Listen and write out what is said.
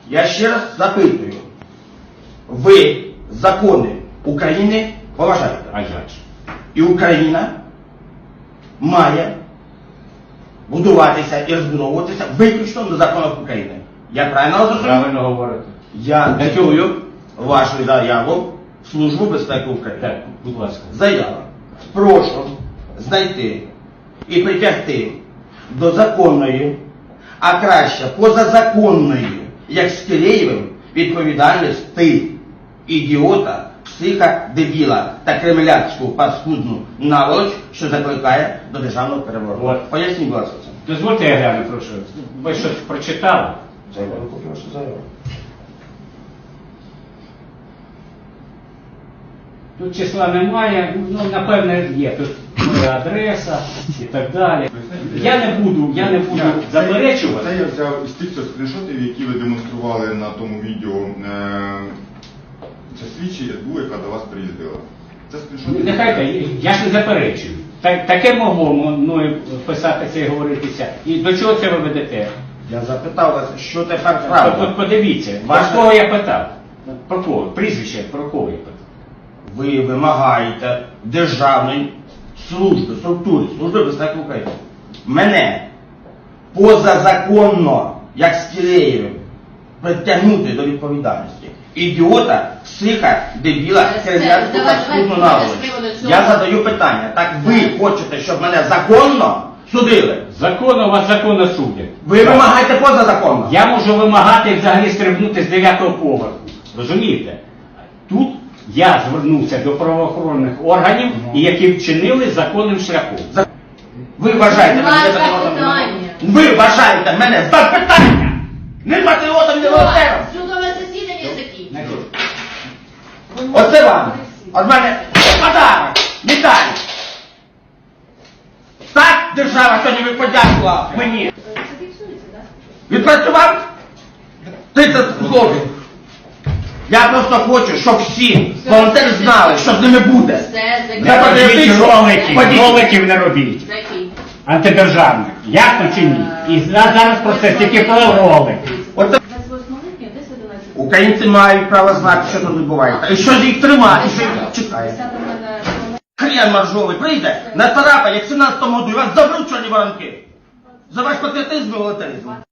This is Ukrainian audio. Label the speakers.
Speaker 1: Я ще раз запитую. Ви закони України поважаєте?
Speaker 2: А як же?
Speaker 1: І Україна має будуватися і розбудовуватися виключно на законах України. Я правильно зрозумів?
Speaker 2: Правильно говорите.
Speaker 1: Я цитую вашу заяву в Службу безпеки України.
Speaker 2: Так, будь ласка.
Speaker 1: Заява. Прошу знайти і притягти до законної, а краще позазаконної, як з Киреєвим, відповідальності ідіота, психа, дебіла та кремлянську паскудну наволоч, що закликає до державного перевороту.
Speaker 2: От.
Speaker 1: Поясніть, будь ласка, це.
Speaker 2: Дозвольте, я гляну, прошу. Ви щось прочитали?
Speaker 1: Заяву, поки ваша заява.
Speaker 2: Тут числа немає, ну, напевне, є. Тут моя адреса і так далі. Я не буду заперечувати.
Speaker 3: Це я взяв із тих скріншотів, які ви демонстрували на тому відео. Це слідчі СБУ, яка до вас приїздила. Це скріншоти.
Speaker 2: Нехай, я ж не заперечую. Таке могло мною писатися і говоритися. І до чого це ви ведете?
Speaker 1: Я запитав вас, що тепер правда.
Speaker 2: Подивіться,
Speaker 1: Ваше-
Speaker 2: про кого я питав? Про кого? Прізвище, про кого я питав?
Speaker 1: Ви вимагаєте державної служби, структури, Служби безпеки України. Мене позазаконно, як з Киреєвим, притягнути до відповідальності. Ідіота, психа, дебіла, кремлянську паскудну наволоч. Я задаю питання. Так ви хочете, щоб мене законно судили?
Speaker 2: Законно вас законно судять.
Speaker 1: Ви вимагаєте позазаконно?
Speaker 2: Я можу вимагати взагалі стрибнути з 9-го поверху. Розумієте? Тут я звернувся до правоохоронних органів, і які вчинили законним шляхом.
Speaker 1: Ви вважаєте мене патріотом? Ви вважаєте мене за питання! Не патріотом, не волонтером!
Speaker 4: Судове засідання закінчено.
Speaker 1: Оце вам! От мене подарок! Медаль! Так держава сьогодні ви подякувала мені!
Speaker 4: Це фіксується, так?
Speaker 1: Відпрацював 30 злотих! Я просто хочу, щоб всі волонтери знали, що з ними буде!
Speaker 4: Все
Speaker 2: Не
Speaker 1: Я
Speaker 2: робіть
Speaker 1: патріотично.
Speaker 2: роликів,
Speaker 1: Ходіть.
Speaker 2: роликів не робіть.
Speaker 4: Закінчено.
Speaker 2: Антидержавних. Ясно чи ні? І зараз про це тільки про ролики.
Speaker 1: От
Speaker 4: 28 липня, десь 11.
Speaker 1: українці мають право знати, що тут відбувається. І що ж їх тримати, що їх чекає.
Speaker 4: 10 мене...
Speaker 1: Хрен моржовий прийде, на царапа, як в 17-му году, і вас заберуть чорні воронки. За ваш патріотизм і волонтеризм.